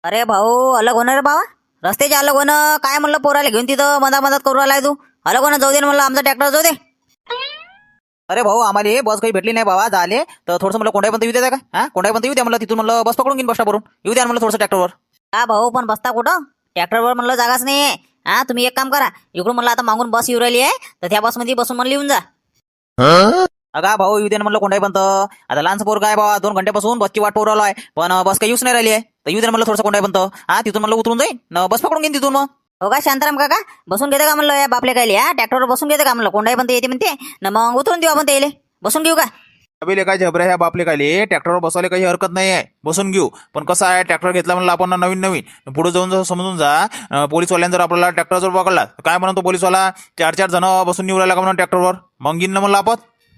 अरे भाऊ, अलग होणार रे बाबा. रस्त्याचे अलग होणं काय म्हणलं, पोराला घेऊन तिथं मधात करू राहिलाय तू. अलग होणं जाऊ दे ना म्हणलं, आमचा ट्रॅक्टर जाऊ दे. अरे भाऊ, आम्हाला हे बस काही भेटली नाही बाबा झाले, तर थोडंसं मला कोंडाईपर्यंत येऊ द्या का? हा, कोंडाईपर्यंत येऊ द्या म्हणलं, तिथून म्हणलं बस पकडून घेईन बस स्टॉपवरून. येऊ द्या म्हणलं थोडंसं ट्रॅक्टरवर. हा भाऊ, पण बसता कुठं? ट्रॅक्टरवर म्हणलं जागाच नाही. हा, तुम्ही एक काम करा, इकडून म्हणलं आता मागून बस येऊ राहिली आहे, तर त्या बसमध्ये बसून म्हणलं येऊन जा. अगा भाऊ, येऊ द्या ना म्हणलं कोंडाईपर्यंत. आता लहानसं पोरं काय बाबा, 2 घंट्यापासून बसची वाट पाहू राहिलो आहे, पण बस काही येऊच नाही राहिली आहे. तर येऊ द्या म्हणलं थोडंसं कोंडाईपर्यंत. हा, तिथून म्हणलं उतरून जाईन न बस पकडून घेईन तिथून मग. हो का शांताराम काका, बसून घेते का म्हणलं या बापले कायले? हा, ट्रॅक्टरवर बसून घेते का म्हणलं? कोंडाई पण येते म्हणते ना, मग उतरून देऊ आपण त्याले. बसून घेऊ का? अबे काय झबऱ्या ह्या बापले काय ट्रॅक्टरवर बसवायला काही हरकत नाही आहे, बसून घेऊ. पण कसं आहे, ट्रॅक्टर घेतला म्हणलं आपण नवीन नवीन, पुढे जाऊन जर समजून जा, पोलीसवाल्यांनी जर आपल्याला ट्रॅक्टर जर पकडला तर काय म्हणतो पोलीसवाला, 4-4 जण बसून निवडायला राहिला का म्हणून ट्रॅक्टरवर, मग घेईन ना म्हणलं आपण.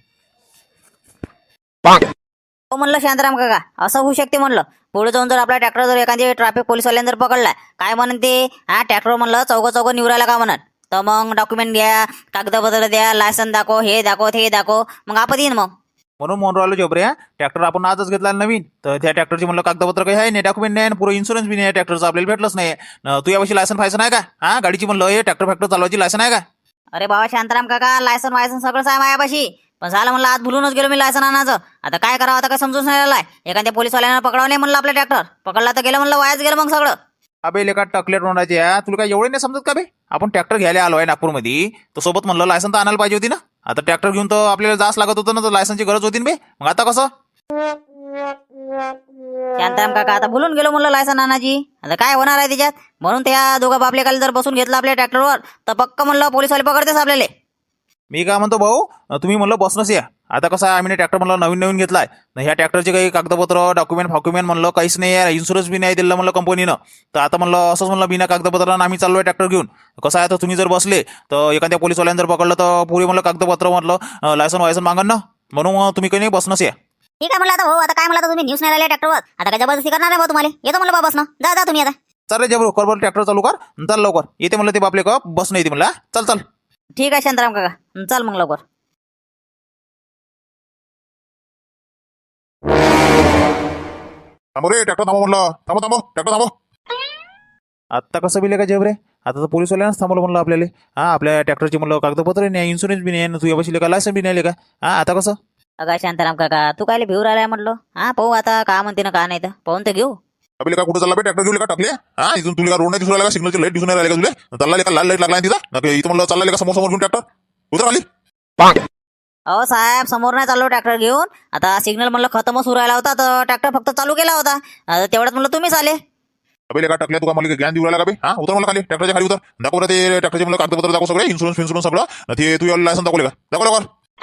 हो म्हणलं शांताराम काका, असं होऊ शकते म्हणलं. पुढे जाऊन जर आपला ट्रॅक्टर जर एखाद्या ट्रॅफिक पोलीसवाल्यांनी जर पकडला, काय म्हणून ते, हा ट्रॅक्टर म्हणलं चौघ निवडायला का म्हणत, तर मग डॉक्युमेंट द्या, कागदपत्र द्या, लायसन दाखव, हे दाखव, ते दाखव, मग आपण येईन मग. म्हणून राहिलो झबऱ्या, ट्रॅक्टर आपण आजच घेतला नवीन, तर त्या ट्रॅक्टरची म्हणलं कागदपत्र काही आहे नाही, डॉक्युमेंट नाही, पुरं इन्शुरन्स बी नाही ट्रॅक्टरचं, आपल्याला भेटलंच नाही. तू यावर्षी लायसन फायसन आहे का? हा, गाडीची म्हणलं हे ट्रॅक्टर फॅक्टर चालवायची लायसन आहे का? अरे बाबा शांताराम काका, लायसन वायसन सगळंच आहे माझ्यापाशी, पण झालं म्हणलं आज भुलूनच गेलो मी लायसन आणायचं. आता काय करावं, आता काय समजून नाही राहिलाय. एखाद्या पोलीसवाल्यांना पकडावं नाही म्हणलं आपलं ट्रॅक्टर, पकडला तर गेलं म्हणलं, वायाच गेलं मग सगळं. अबे लेका टकलेट तोंडाचे, तुला काय एवढे नाही समजत का बे? आपण ट्रॅक्टर घ्यायला आलो आहे नागपूरमध्ये, तर सोबत म्हणलं लायसन तर आणायला पाहिजे होती ना. आता ट्रॅक्टर घेऊन तर आपल्याला जास लागत होतं ना, तर लायसनची गरज होती ना बे. मग आता कसं? शांताराम काका, आता भुलून गेलो म्हणलं लायसन आणायची, आता काय होणार आहे त्याच्यात? म्हणून त्या दोघं बापले काल जर बसून घेतलं आपल्या ट्रॅक्टरवर, तर पक्क म्हणलं पोलीसवाले पकडतेच आपल्याला. मी काय म्हणतो भाऊ, तुम्ही म्हणलं बसनच या. आता कसं आहे, आम्ही ट्रॅक्टर म्हणलं नवीन नवीन घेतलाय, ह्या ट्रॅक्टरचे काही कागदपत्र डॉक्युमेंट म्हणलं काहीच नाही आहे, इन्शुरन्स बी नाही दिलं म्हणलं कंपनीनं. तर आता म्हणलं असंच म्हणलं बिना कागदपत्रानं आम्ही चाललोय ट्रॅक्टर घेऊन. कसं आहे, तर तुम्ही जर बसले तर एखाद्या पोलीसवाल्यांनी जर पकडलं तर पुरे म्हणलं कागदपत्र म्हटलं लायसन वायसन मागन ना, म्हणून तुम्ही काही नाही बसनच या. ठीक आहे म्हणलं. आता भाऊ, आता काय म्हणलं, तुम्ही न्यूज नाही राहिले ट्रॅक्टरवर, आता काय जबरदस्ती करणार आहे भाऊ तुम्हाला? येतो म्हणलं बाबा, बस ना, जा तुम्ही आता. चल रे जबरू, कर बरं ट्रॅक्टर चालू कर, चल लवकर. येते म्हणलं ते बापले का बस नाही येते म्हणलं. चल चल. ठीक आहे शांताराम काका, चल मग लवकर. थांबो रे, ट्रॅक्टर थांबव म्हणलं, थांबो ट्रॅक्टर थांबव. आत्ता कसं बिले का जबरे, आता तर पोलीसवाल्यांनाच थांबवलं म्हणलं आपल्याला. हा, आपल्या ट्रॅक्टरची म्हणलं कागदपत्र नाही, इन्शुरन्स बी नाही, तू यापाशी का लायसन बी नाही का? हा, आता कसं? अगा शांताराम काका, तू काय भिऊ राहिलाय म्हटलं? हा, पाहू आता का म्हणते ना, का नाही तर पाहून तर घेऊ. आपल्याला का कुठं चालला बे, ट्रॅक्टर घेऊ का टाकले? हा, इथून तुला का रोड नाही दिसून राहिला का, सिग्नलची लाईट दिसून राहिला का तुला? चालला का लाल लाईट लागला तिथं, इथं म्हणलं चालला का समोर घेऊन ट्रॅक्टर उतर आली. अहो साहेब, समोर नाही चाललो ट्रॅक्टर घेऊन. आता सिग्नल म्हणलं खतमच होऊ राहिला होता, तर ट्रॅक्टर फक्त चालू केला होता. आता तेवढ्यात म्हणलं तुम्हीच आले. आपल्याला का टाकल्या, तुला मला ज्ञान देऊ राहिला का बे? हा, उतर मला खाली, ट्रॅक्टरच्या खाली उतर. दाखव रे ते ट्रॅक्टरचे मला कागदपत्र दाखव, सगळे इन्शुरन्स सगळं. ते तू लायसन दाखवले का? दाखव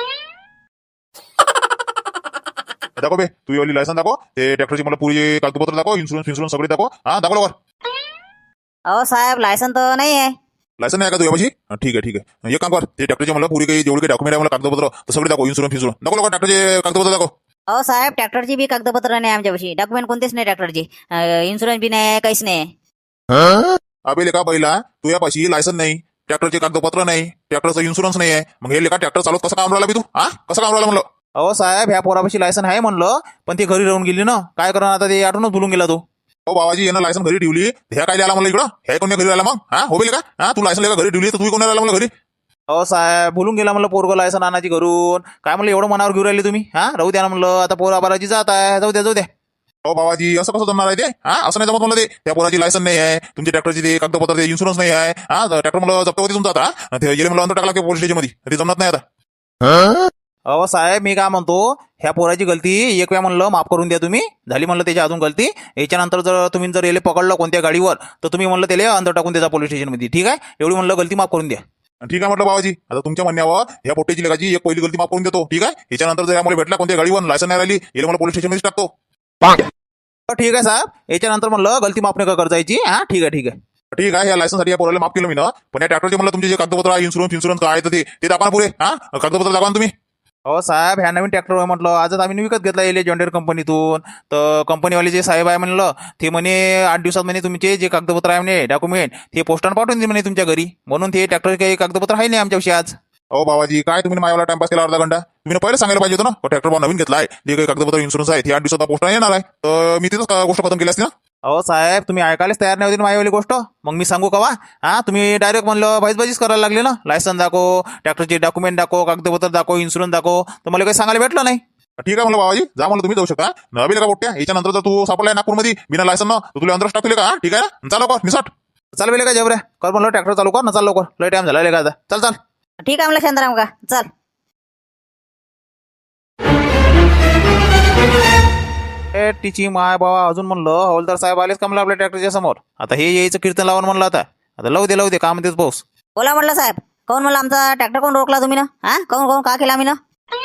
दाखव बे, तू एवढी लायसन दाखव, ते ट्रॅक्टरची मला पुरी कागदपत्र दाखव, इन्शुरन्स सगळे दाखव. हा, दाखव लवकर. अहो साहेब, लायसन तर नाही आहे. लायसन नाही का तू यापाशी? ठीक आहे. एक काम कर, ते ट्रॅक्टरचे मला पुरी काही जेवढे काही डॉक्युमेंट आहे मला कागदपत्र तर सगळे दाखव, इन्शुरन्स दाखव लवकर, ट्रॅक्टरचे कागदपत्र दाखव. अहो साहेब, ट्रॅक्टरची बी कागदपत्र नाही आमच्यापाशी, डॉक्युमेंट कोणतेच नाही ट्रॅक्टरची, इन्शुरन्स बी नाही, काहीच नाही. अबे लेका पहिला, तू यापाशी लायसन नाही, ट्रॅक्टरचे कागदपत्र नाही, ट्रॅक्टरचं इन्शुरन्स नाही आहे, मग हे लेका ट्रॅक्टर चालवत कसं काम राहिला बी तू? हा, कसं काम राहिला म्हणलं? अहो साहेब, ह्या पोरापाशी लायसन आहे म्हणलं, पण ती घरी राहून गेली ना, काय करणार आता, ते आठवणच भुलून गेला तो. हो बाबाजी, यानं लायसन घरी ठेवली, ह्या काय आला म्हणलं इकडं, ह्या कोणी घरी राहिला मग? हा, हो बेले का? हा, तू लायसन लेका घरी ठेवली, तर तू कोणी राहिला म्हणलं घरी? अहो साहेब, भुलून गेला म्हणलं पोरगं लायसन आणायची घरून. काय म्हणलं एवढं मनावर घेऊन राहिले तुम्ही? हा, राहू द्या ना म्हणलं, आता पोरा बाराची जात आहे, जाऊ द्या. हो बाबाजी, असं कसं जमणार आहे ते? हा, असं नाही जमत म्हणलं ते, त्या पोराची लायसन नाही आहे, तुमच्या ट्रॅक्टरची ते कागदपत्र, ते इन्शुरन्स नाही आहे. हा, ट्रॅक्टर मला जप्त होती तुमचा आता, ते गेले मला अंतर टाकला पोलीस स्टेशनमध्ये, ते जमत नाही आता. अहो साहेब, मी काय म्हणतो, ह्या पोराची गलती एक वेळा म्हणलं माफ करून द्या तुम्ही, झाली म्हणलं त्याची अजून गलती. याच्यानंतर जर तुम्ही जर याला पकडलं कोणत्या गाडीवर, तर तुम्ही म्हणलं त्याला अंदर टाकून द्या पोलीस स्टेशनमध्ये. ठीक आहे, एवढी म्हणलं गलती माफ करून द्या. ठीक आहे म्हटलं बाबाजी, आता तुमच्या म्हणण्यावर ह्या पोट्याची लेखाची एक पहिली गलती माफ करून देतो. ठीक आहे, याच्यानंतर जर मला भेटला कोणत्या गाडीवर लायसन नाही राहिली, याला मला पोलीस स्टेशनमध्ये टाकतो. ठीक आहे साहेब, याच्यानंतर म्हणलं गलती माफ नका करायची. हा, ठीक आहे. ठीक आहे, या लायसनसाठी या पोराला माफ केलं मी ना, पण या ट्रॅक्टरचे म्हणलं तुमचे जे कागदपत्र आहे, इन्शुरन्स काय आहे, तर ते दाखवा पुरे. हा, कागदपत्र दाखवा तुम्ही. हो साहेब, ह्या नवीन ट्रॅक्टर म्हटलं आजच आम्ही विकत घेतला येईल जॉन्डर कंपनीतून. तर कंपनीवाले जे साहेब आहे म्हणलं, ते म्हणे 8 दिवसात म्हणे तुमचे जे कागदपत्र आहे म्हणे डॉक्युमेंट, ते पोस्टानं पाठवून दे म्हणे तुमच्या घरी. म्हणून ते ट्रॅक्टर काही कागदपत्र आहे नाही आमच्याविषयी आज. हो बाबाजी, काय तुम्ही माझ्याला टाइमपास केला अर्धा घंटा? तुम्ही पहिले सांगायला पाहिजे होतं ना, ट्रॅक्टर नवीन घेतला आहे, जे काही कागदपत्र इन्शुरन्स आहे, ते 8 दिवसात पोस्टाने येणार आहे, तर मी तिथंच गोष्ट खतम केली असती ना. अहो साहेब तुम्ही ऐकायलाच तयार नाही होती ना माझीवाली गोष्ट. मग मी सांगू कवा? तुम्ही डायरेक्ट म्हणलं भाईच करायला लागले ना. लायसन दाखव, ट्रॅक्टरचे डॉक्युमेंट दाखव, कागदपत्र दाखव, इन्शुरन्स दाखव, तर मला काही सांगायला भेटलं नाही. ठीक आहे म्हणलं बाबाजी, जा म्हणलं तुम्ही जाऊ शकता. नवीन का पोट्या याच्यानंतर जर तू सापडलाय नागपूरमध्ये बिना लायसन न तर तुला अंदरच टाकले का? ठीक आहे ना, चालू कर निसट. चाल बेले का जबऱ्या, कर म्हणलं ट्रॅक्टर चालू कर ना, चाल लवकर, लय टाइम झाला का आता. चल चल. ठीक आहे म्हणलं शांताराम का, चल. तिची माय बाबा अजून म्हणलं हवालदार साहेब आलेच का म्हणलं आपल्या ट्रॅक्टरच्या समोर. आता हे यायचं कीर्तन लावून म्हणलं आता लावू दे काय म्हणतेच पाऊस. बोला म्हटलं साहेब, कोण म्हणलं आमचा ट्रॅक्टर कोण रोखला तुम्ही ना? कोण का केला आम्ही ना?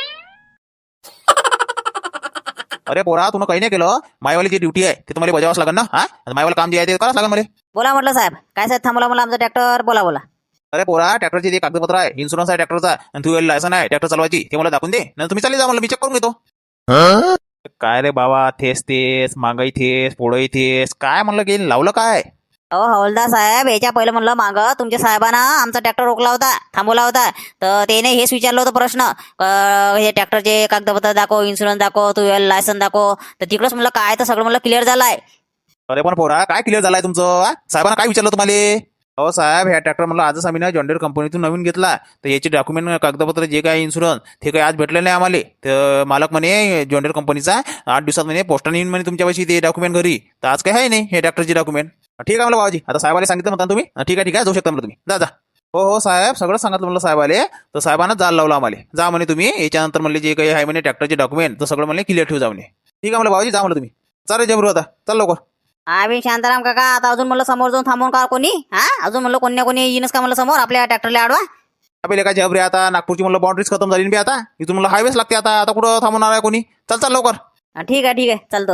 अरे पोरा तुला काही नाही केलं. मायवाली जी ड्युटी आहे ते तुम्हाला बजावच लागेल ना. मायवाला काम जे आहे ते करावंच लागेल मला. बोला म्हटलं साहेब, काय साहेब थांबवला मला आमचा ट्रॅक्टर, बोला. अरे पोरा ट्रॅक्टरचे जे कागदपत्र आहे, इन्शुरन्स आहे ट्रॅक्टरचा, आणि तू लायसन आहे ट्रॅक्टर चालवायची, ते मला दाखवून दे. नाही तुम्ही चालले जा म्हणलं, मी चेक करून घेतो. काय रे बाबा, थेस मागाई थेस पोळई थेस, काय म्हणलं गेली लावलं काय? अहो हवालदार साहेब, याच्या पहिलं म्हणलं मागं तुमच्या साहेबांना आमचा ट्रॅक्टर रोखला होता, थांबवला होता. तर त्याने हेच विचारलं होतं प्रश्न, हे ट्रॅक्टरचे कागदपत्र दाखव, इन्शुरन्स दाखव, तू लायसन दाखव. तर तिकडंच म्हणलं काय, तर सगळं म्हणलं क्लिअर झालंय. अरे पण पोरा काय क्लिअर झालाय तुमचं? साहेबांना काय विचारलं तुम्हाला? हो साहेब, ह्या ट्रॅक्टर म्हणलं आजच आम्ही ना जॉन्डियर कंपनीतून नवीन घेतला, तर याचे डॉक्युमेंट कागदपत्र जे काय इन्शुरन्स ते काही आज भेटले नाही आम्हाला. तर मालक म्हणे जॉन्डियर कंपनीचा 8 दिवसात म्हणे पोस्टाने येईन म्हणे तुमच्यापाशी ते डॉक्युमेंट घरी. तर आज काही आहे नाही हे ट्रॅक्टरचे डॉक्युमेंट. ठीक आहे म्हणलं बाबाजी, आता साहेबाला सांगितलं म्हणता तुम्ही. ठीक आहे जाऊ शकता म्हणलं तुम्ही, जा. हो साहेब, सगळं सांगितलं म्हणलं साहेबाले. तर साहेबांना जाल लावलं आम्हाला, जा म्हणे तुम्ही याच्यानंतर म्हणले जे काही आहे म्हणे ट्रॅक्टरचे डॉक्युमेंट तर सगळं म्हणले क्लिअर ठेवू जा म्हणे. ठीक आहे म्हणलं बाबाजी, जा म्हणलं तुम्ही. चालेल जबरू, आता चल लवकर. आम्ही शांताराम काका, आता अजून म्हणलं समोर जाऊन थांबवून का कोणी? अजून म्हणलं कोणी येईनच का म्हणलं समोर आपल्या ट्रॅक्टरला आडवा? आपल्याला काय जबरे, आता नागपूरची म्हणलं बाउंड्रीज खतम झाली बी, आता इथून म्हणलं हायवेच लागते. आता कुठं थांबवणार आहे कोणी? चल लवकर. ठीक आहे चालतो.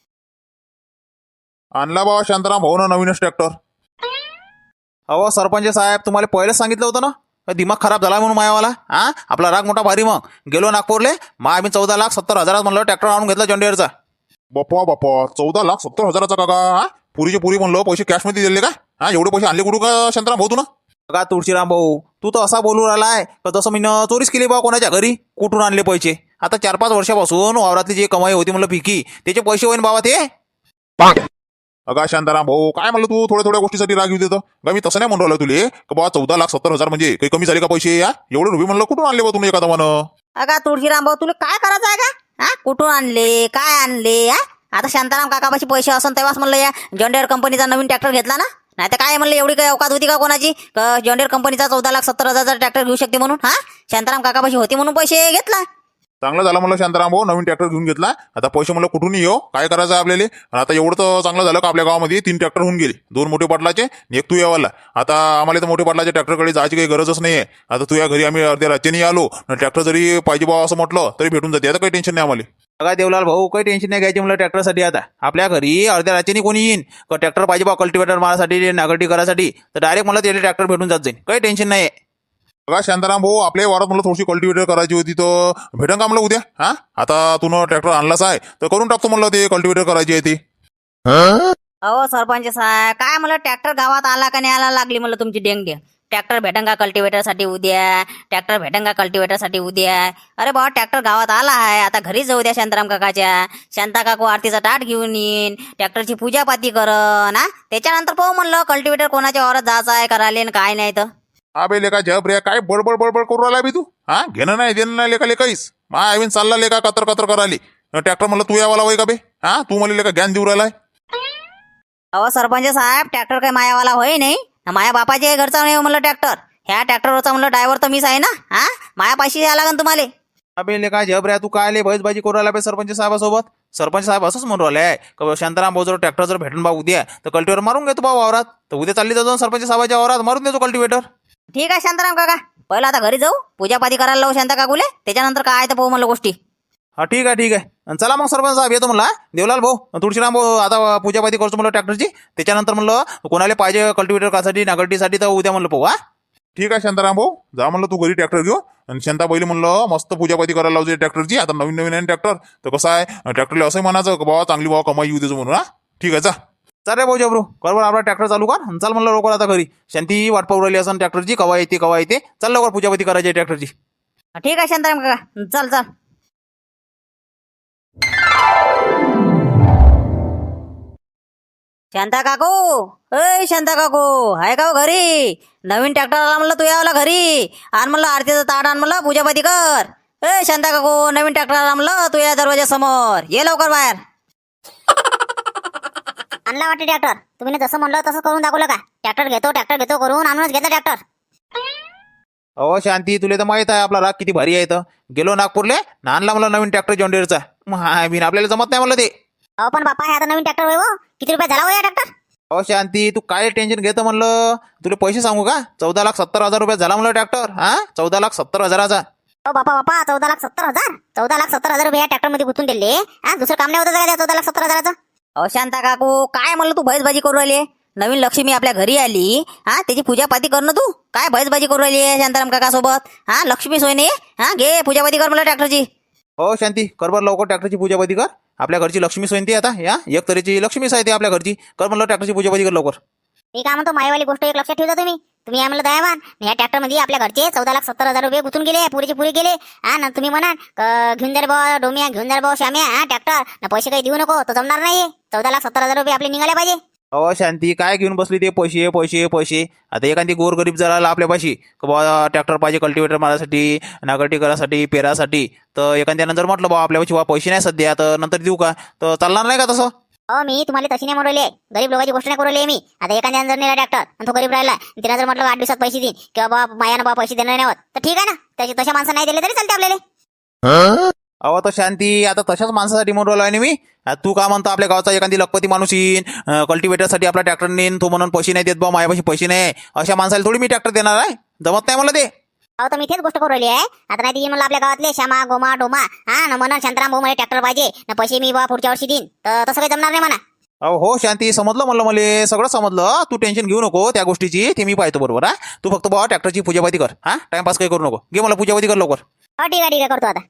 आणला बाबा शांताराम भाऊ ना नवीनच ट्रॅक्टर. अहो सरपंच साहेब, तुम्हाला पहिलेच सांगितलं होतं ना, दिमाग खराब झाला म्हणून मायावाला. आपला राग मोठा भारी. मग गेलो नागपूरले, मग आम्ही 14,70,000 म्हणलं ट्रॅक्टर आणून घेतला जॉन्डियरचा. बाप्पा 14,70,000 काका. पुरीचे पुरी म्हणलं पैसे कॅश मध्ये दिले का? एवढे पैसे आणले कुठं का शांताराम भाऊ तू ना? का तुळशीराम भाऊ, तू तर असा बोलू राहिलाय का जसं मी चोरीच केली बा कोणाच्या घरी. कुठून आणले पैसे? आता 4-5 वर्षापासून वावरातली जी कमाई होती म्हणलं पिकी, त्याचे पैसे होईन बाबा ते. अगा शांताराम भाऊ, काय म्हणलं तू थोड्या गोष्टीसाठी राग येऊ देतो का? मी तसं नाही म्हणून राहिलो तुले का बाबा 14,70,000 म्हणजे काही कमी झाले का पैसे? एवढे रुपये म्हणलं कुठून आणले बा तुम्ही एका दमानं? अगा तुळशीराम भाऊ, तुला काय करायचं आहे का? कुठून आणले, काय आणले? आता शांताराम काकापाशी पैसे असन तेव्हाच म्हणलं या जॉन्डियर कंपनीचा नवीन ट्रॅक्टर घेतला ना. नाही तर काय म्हणलं, एवढी काही अवकात होती का कोणाची जॉन्डियर कंपनीचा 14,70,000 ट्रॅक्टर घेऊ शकते म्हणून? शांताराम काकापाशी होती म्हणून पैसे घेतला. चांगलं झालं म्हणलं शांताराम भाऊ, नवीन ट्रॅक्टर घेऊन घेतला. आता पैसे म्हणलं कुठूनही येऊ, काय करायचं आहे आपल्याला? आणि आता एवढं तर चांगलं झालं का आपल्या गावामध्ये 3 ट्रॅक्टर होऊन गेले. 2 मोठे पाटलाचे, एक तू यावाला. आता आम्हाला तर मोठे पाटलाच्या ट्रॅक्टरकडे जायची काही गरजच नाहीये. आता तू या घरी आम्ही अर्ध्या रात्रीने आलो, ट्रॅक्टर जरी पाहिजे बा असं म्हटलं तरी भेटून जाते. आता काही टेन्शन नाही आम्हाला. काय देवलाल भाऊ, काही टेन्शन नाही घ्यायची म्हणलं ट्रॅक्टरसाठी. आता आपल्या घरी अर्ध्या रात्रीने कोणी येईन का ट्रॅक्टर पाहिजे बा कल्टिवेटर मारासाठी, नागरटी करायसाठी, तर डायरेक्ट मला त्याला ट्रॅक्टर भेटून जात जाईल. काही टेन्शन नाही. बघा शांताराम भाऊ, आपल्या वारात मला थोडीशी कल्टिवेटर करायची होती, तर भेटेन का म्हणलं उद्या? आता तू ट्रॅक्टर आणलाच आहे तर करून टाकतो म्हणलं, ते कल्टिवेटर करायची आहे ती. अहो सरपंच साहेब, काय म्हणलं ट्रॅक्टर गावात आला का नाही आला लागली म्हणलं तुमची डेंग. ट्रॅक्टर भेटन का कल्टिवेटरसाठी उद्या? ट्रॅक्टर भेटन का कल्टिवेटरसाठी उद्या? अरे बाबा, ट्रॅक्टर गावात आला आहे, आता घरीच जाऊ द्या शांताराम काकाच्या. शांता काकू आरतीचा ताट घेऊन येईन, ट्रॅक्टरची पूजापाती करन. त्याच्यानंतर पाहू म्हणलं कल्टिवेटर कोणाच्या वावरात जायचं आहे करायला काय नाही तर. अबे लेका जब रे, काय बडबड करू राहिला बी तू? घेणं नाही देणं नाही लेका काहीच. आवीन चालला लेका कतर कराली. ट्रॅक्टर म्हणलं तू यावाला वय का बे? तू मला लेका ज्ञान देऊ राहिलाय. अहो सरपंच साहेब, ट्रॅक्टर काही मायावाला होय नाही, माया बापाचे घरचा नाही म्हणलं ट्रॅक्टर. ह्या ट्रॅक्टरवरचा म्हणलं ड्रायव्हर तर मीच आहे ना. माया पाशी यायला लागेल तुम्हाला. अबे लेका जबऱ्या, तू काय बळजबाजी करू राहिला बे सरपंच साहेबासोबत? सरपंच साहेब असंच म्हणून राहिलाय का शांताराम भाऊ जर ट्रॅक्टर जर भेटून बा उद्या तर कल्टिवेटर मारून घेतो बा वावरात. तर उद्या चालली जाऊन सरपंच साहेबाच्या वावरात मारून देतो कल्टिवेटर. ठीक आहे शांताराम काका, पहिलं आता घरी जाऊ, पूजापाती करायला लावू शांता काकूले, त्याच्यानंतर काय तर पाहू म्हणलं गोष्टी. ठीक आहे. चला मग सरपंच साहेब, येतो म्हणला. देवलाल भाऊ, तुळशीराम भाऊ, आता पूजापाती करतो म्हणलं ट्रॅक्टरची. त्याच्यानंतर म्हणलं कोणाला पाहिजे कल्टिवेटर कासाठी, नागरटीसाठी, तर उद्या म्हणलं पाहू. ठीक आहे शांताराम भाऊ, जा म्हणलं तू घरी ट्रॅक्टर घेऊ. आणि शांता पहिली म्हणलं मस्त पूजापाती करायला लावते ट्रॅक्टरची. आता नवीन आहे ट्रॅक्टर, तर कसं आहे ट्रॅक्टरला असंही म्हणायचं बाबा चांगली बाबा कमाई येऊ देतो म्हणून. ठीक आहे, जा. चल रे भाऊ जबरू, बरोबर आपला ट्रॅक्टर चालू कर. चल म्हणलं लवकर आता घरी. शांती वाट पाहू राहिली असं ट्रॅक्टरची, कवा येते. चल लवकर पूजापाती करायची ट्रॅक्टरची. ठीक आहे शांताराम काका, चल. शांता काकू, ए शांता काकू, आहे का हो घरी? नवीन ट्रॅक्टर आला म्हणलं, तू यावला घरी. आण म्हणलं आरतीचं ताट, आण म्हणलं पूजापाती कर. ए शांता काकू, नवीन ट्रॅक्टर आला म्हणलं, तू या दरवाजा समोर ये लवकर बाहेर. आणला वाटते ट्रॅक्टर. तुम्ही जसं म्हणलं तसं करून दाखवलं का? ट्रॅक्टर घेतो करून आणूनच घेतला ट्रॅक्टर. अहो शांती, तुला तर माहित आहे आपला राग किती भारी आहे. तर गेलो नागपूरले ना, आणला मला नवीन ट्रॅक्टर जॉन्डियरचा. बिन आपल्याला जमत नाही म्हणलं ते. अहो पण बापा, हे आता नवीन ट्रॅक्टर होय हो. किती रुपये झाला हो या ट्रॅक्टर? अहो शांती, तू काय टेन्शन घेतं म्हणलं. तुला पैसे सांगू का? 14,70,000 रुपये झाला म्हणलं ट्रॅक्टर. 14,70,000. हो बापा, 14,70,000. 14,70,000 रुपये या ट्रॅक्टर मध्ये गुंतून दिले. दुसरं काम नाही होतं का त्या 14,70,000चं? अहो शांता काकू, काय म्हणलं तू भैसबाजी करू राहिली? नवीन लक्ष्मी आपल्या घरी आली, त्याची पूजापाती कर ना तू. काय भैसबाजी करू राहिली शांताराम काका सोबत? लक्ष्मी सोयने, घे पूजापाती कर मला ट्रॅक्टरची. हो शांती, कर बरं लवकर ट्रॅक्टरची पूजापाती कर. आपल्या घरची लक्ष्मी सोयंती आता या एक तऱ्हेची लक्ष्मीच आहे ती आपल्या घरची. कर म्हणलं ट्रॅक्टरची पूजापाती कर लवकर. मी काय म्हणतो, मायवाली गोष्ट एक लक्षात ठेवता तुम्ही. तुम्ही आम्हाला दयावान. या ट्रॅक्टर मध्ये आपल्या घरचे 14,70,000 रुपये गुंतून गेले, पुरेचे पुरे गेले. ना तुम्ही म्हणा घेऊन जा रे बा डोमिया, घेऊन जा रे बा श्याम्या ट्रॅक्टर ना, पैसे काही देऊ नको, तो जमणार नाही. 14,70,000 रुपये आपले निघाले पाहिजे. अहो शांती, काय घेऊन बसली ते पैसे पैसे पैसे. आता एखादी गोरगरीब जर आला आपल्यापाशी बा ट्रॅक्टर पाहिजे कल्टिवेटर मारासाठी, नागरटी करासाठी, पेरासाठी, तर एखाद्यानं जर म्हटलं बा आपल्यापाशी बा पैसे नाही सध्या, तर नंतर देऊ का? तर चालणार नाही का तसं? हो, मी तुम्हाला तशी नाही म्हणले, गरीब लोकांची गोष्ट नाही करू मी. आता एखाद्यानं जर नेला ट्रॅक्टर आणि तो गरीब राहिला, तिला जर म्हटलं 8 दिवसात पैसे देईन किंवा बा मायानं बा पैसे देणार नाही होत, तर ठीक आहे ना. त्याची तशा माणसं नाही दिले तरी चालते आपल्याला. अहो तर शांती, आता तशाच माणसासाठी म्हणून राहिलो मी. तू का म्हणतो आपल्या गावचा एखादी लखपती माणूस येईन कल्टिवेटरसाठी आपला ट्रॅक्टर नेईन, तो म्हणून पैसे नाही देत बा माझ्यापाशी पैसे नाही, अशा माणसाला थोडी मी ट्रॅक्टर देणार आहे? जमत नाही मला ते. अहो तर मी तेच गोष्ट करू राहिली आहे. आता नाही ती म्हणलं आपल्या गावातले श्यामा गोमा डोमा ना म्हणून शांताराम भाऊ मला ट्रॅक्टर पाहिजे ना, पैसे मी बा पुढच्या वर्षी देईन, तर तसं काही जमणार नाही म्हणा. अहो हो शांती, समजलं म्हणलं, मला सगळं समजलं. तू टेन्शन घेऊ नको त्या गोष्टीची, ते मी पाहतो बरोबर. तू फक्त बा ट्रॅक्टरची पूजापाती कर. टाइमपास काही करू नको. घे मला पूजापाती कर लवकर. हो ठीक आहे करतो आता.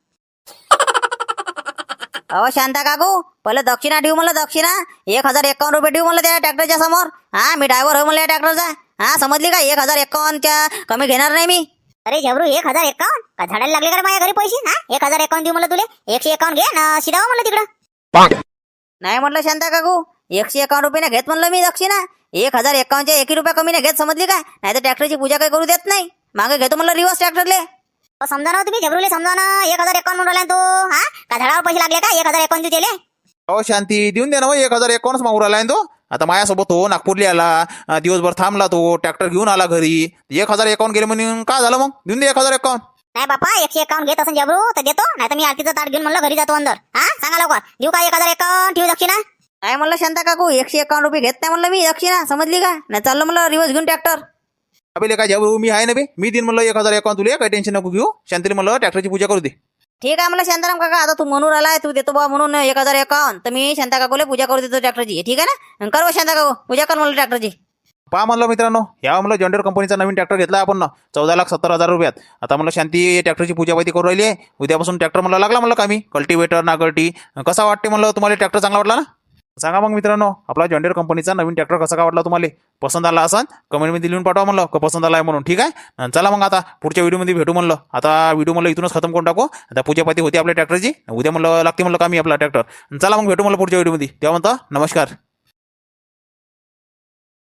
अहो शांता काकू, पहिलं दक्षिणा ठेवू म्हणलं, दक्षिणा 1,051 रुपये ठेवू म्हणलं त्या ट्रॅक्टरच्या समोर. मी ड्रायव्हर होय म्हणलं या ट्रॅक्टरचा. समजली का? 1,051च्या कमी घेणार नाही मी. अरे झबरू, 1,051 का झाडाला लागले का रे माझ्या घरी पैसे? 1,051 देऊ म्हणलं तुले. 151 घे ना, शिरावं म्हणलं तिकडं. नाही म्हटलं शांता काकू, 151 रुपये ना घेत म्हणलं मी दक्षिणा. 1,051च्या 1 रुपया कमी नाही घेत, समजली का? नाही तर ट्रॅक्टरची पूजा काही करू देत नाही. मागे घेतो म्हणलं रिवर्स ट्रॅक्टरले. समजा ना तुम्ही झबरूले, समजा ना. 1,051 म्हणून राहिला तो. का झाडावर पैसे लागले का? 1,051 देऊ त्याले. अहो शांती, देऊन दे ना. 1,051 मागू राहिला तो. आता माझ्यासोबत हो नागपूरला आला, दिवसभर थांबला तो, ट्रॅक्टर घेऊन आला घरी. 1,051 गेले म्हणून काय झालं मग? देऊन दे 1,051. नाही बापा, 151 घेत असं झबरू तर देतो, नाही तर मी आरतीचं ताट घेऊन म्हणलं घरी जातो अंदर. सांगा लवकर, देऊ का 1,051 ठेवू दक्षिणा? नाही म्हणलं शांता काकू, 151 रुपये घेत नाही म्हणलं मी दक्षिणा, समजली का? नाही चाललं म्हणलं रिवर्स घेऊन ट्रॅक्टर. अबे काय जाऊ, मी आहे ना बे, मी दिन म्हणलं 1,051 तुला, काही टेन्शन नको घेऊ. शांतीला म्हणलं ट्रॅक्टरची पूजा करू दे. ठीक आहे म्हणलं शांताराम काका, आता तू म्हणून आलाय, तू देतो बा म्हणून 1,051, तर मी शांता काकूला पूजा करू देतो ट्रॅक्टरची. ठीक आहे ना? कर शांता काकू, पूजा कर म्हणलं ट्रॅक्टरची. पहा म्हणलं मित्रांनो, या म्हणलं जॉन्डियर कंपनीचा नवीन ट्रॅक्टर घेतला आपण 14,70,000 रुपयात. आता म्हणलं शांती ट्रॅक्टरची पूजापाती करू राहिली आहे. उद्यापासून ट्रॅक्टर म्हणलं लागला म्हणलं कामी, कल्टिवेटर नागरटी. कसा वाटते म्हणलं तुम्हाला ट्रॅक्टर? चांगला वाटला ना? सांगा मग मित्रांनो, आपला जॉन्डियर कंपनीचा नवीन ट्रॅक्टर कसा काय वाटला तुम्हाला? पसंत आला असेल कमेंटमध्ये लिहून पाठवा म्हणलं का पसंत आला आहे म्हणून. ठीक आहे, चला मग आता पुढच्या व्हिडिओमध्ये भेटू म्हणलं. आता व्हिडिओ म्हणलं इथूनच खतम करून टाकू. आता पूजापाती होती आपल्या ट्रॅक्टरची, उद्या म्हणलं लागते म्हणलं कामी आपला ट्रॅक्टर. चला मग भेटू म्हणलं पुढच्या व्हिडिओमध्ये. तेव्हा म्हणता नमस्कार.